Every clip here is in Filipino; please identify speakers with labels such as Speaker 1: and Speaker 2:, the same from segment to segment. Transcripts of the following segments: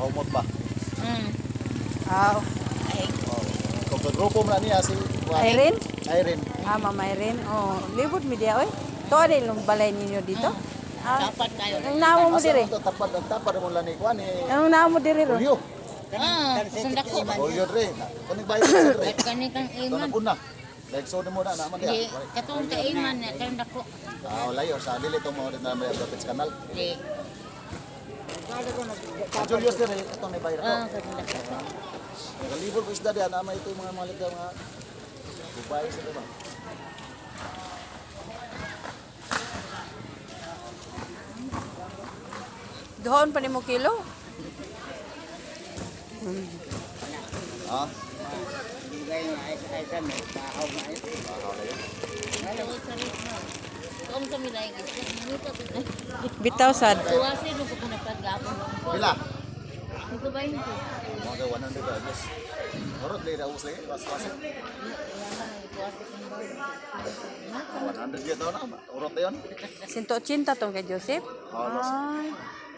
Speaker 1: humot pa.
Speaker 2: Aw.
Speaker 1: Kung grupo mo na niya si
Speaker 2: Irene?
Speaker 1: Irene.
Speaker 2: Mama Irene. Oh, libot mi dia oy. To ada yung balay ninyo dito?
Speaker 3: Dapat kayo.
Speaker 2: Ang namo mo dire?
Speaker 1: Tapad mo lang ni Kuan ni
Speaker 2: Ang namo mo dire ro?
Speaker 1: Julio.
Speaker 3: Sundak ko.
Speaker 1: Julio dre. Kaning bayo dre.
Speaker 3: Kani kang
Speaker 1: Ito
Speaker 3: iman.
Speaker 1: na una. Like so mo na naman
Speaker 3: Di,
Speaker 1: dia.
Speaker 3: katong ka iman na sundak ko.
Speaker 1: Layo sa dili to mo din na may Rapids Canal.
Speaker 3: Di.
Speaker 1: Julio dre ito ni bayo.
Speaker 3: Sundak ko.
Speaker 1: Kalibol ko isda diyan na may ito yung mga malit na mga bubay sa diba.
Speaker 2: Doon pa ni mo kilo?
Speaker 1: Ha?
Speaker 3: Kung kami lang
Speaker 2: Bitaw sad.
Speaker 3: tuwasi nung ko nagpagapon.
Speaker 1: Pila?
Speaker 3: Ito ba yun ko?
Speaker 1: Mga 100 dollars. Orot lay ra usay was. 100 yun daw na. Urot na yun.
Speaker 2: 180 tong kay Joseph.
Speaker 1: Halos.
Speaker 2: Ay.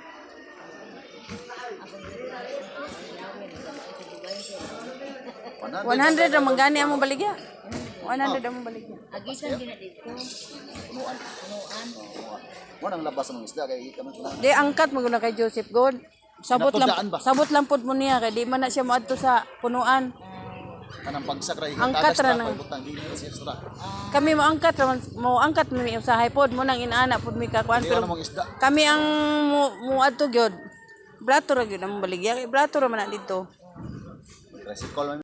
Speaker 2: 100 ra manggani among baligya. 100 among baligya.
Speaker 3: Agisan din na dito.
Speaker 1: Punuan.
Speaker 3: Punuan.
Speaker 1: Mo nang labas ng isda kay kamo sila.
Speaker 2: Di angkat mo na kay Joseph God.
Speaker 1: Napudaan ba?
Speaker 2: Sabot lang pud mo niya kay di man na siya moadto sa punuan.
Speaker 1: Kanang pagsak ra
Speaker 2: Angkat ra
Speaker 1: na.
Speaker 2: na.
Speaker 1: Butang dili si extra.
Speaker 2: Kami mo angkat mo mi usahay pod mo nang inaana pod mi kakuan
Speaker 1: Dili
Speaker 2: pero
Speaker 1: na mong isda.
Speaker 2: kami ang muadto gyud. Brato ra gyud ang baligya kay brato ra man na dito.
Speaker 1: Tricycle